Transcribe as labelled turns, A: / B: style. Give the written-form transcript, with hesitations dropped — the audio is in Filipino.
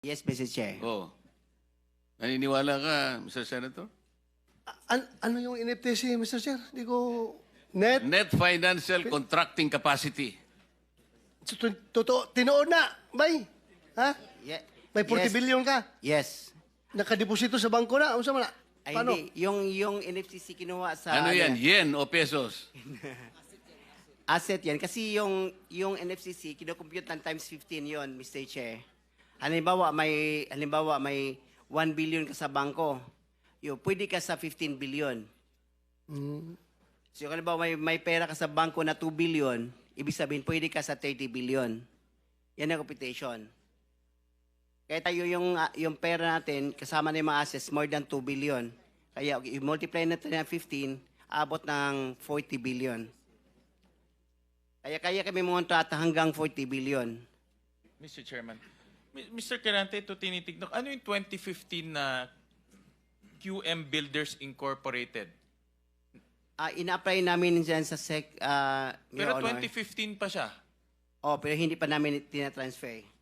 A: Yes, Mr. Chair.
B: Oh. Naniniwala ka, Mr. Senator?
C: Ano yung NFTC, Mr. Chair? Hindi ko... Net?
B: Net financial contracting capacity.
C: Totoo, tinoon na, bay. Ha?
A: Ye-
C: May 40
A: yes.
C: billion ka.
A: Yes.
C: Nakadeposito sa bangko na. Ano sa mga?
A: Ay,
C: Paano?
A: hindi. Yung NFCC kinuha sa...
B: Ano yan? Yen o pesos?
A: Asset yan. Kasi yung NFCC, kinocompute ng times 15 yon, Mr. Chair. Halimbawa, may 1 billion ka sa bangko. Pwede ka sa 15 billion. So, halimbawa, may pera ka sa bangko na 2 billion, ibig sabihin, pwede ka sa 30 billion. Yan ang computation. Kaya tayo yung pera natin, kasama na yung mga assets, more than 2 billion. Kaya i-multiply natin ng 15, abot ng 40 billion. Kaya kami monta hanggang 40 billion.
D: Mr. Chairman. Mr. Quirante, ito tinitignan. Ano yung 2015 na QM Builders Incorporated?
A: Ina-apply namin dyan sa
D: Pero 2015 pa siya.
A: Oh, pero hindi pa namin tinatransfer.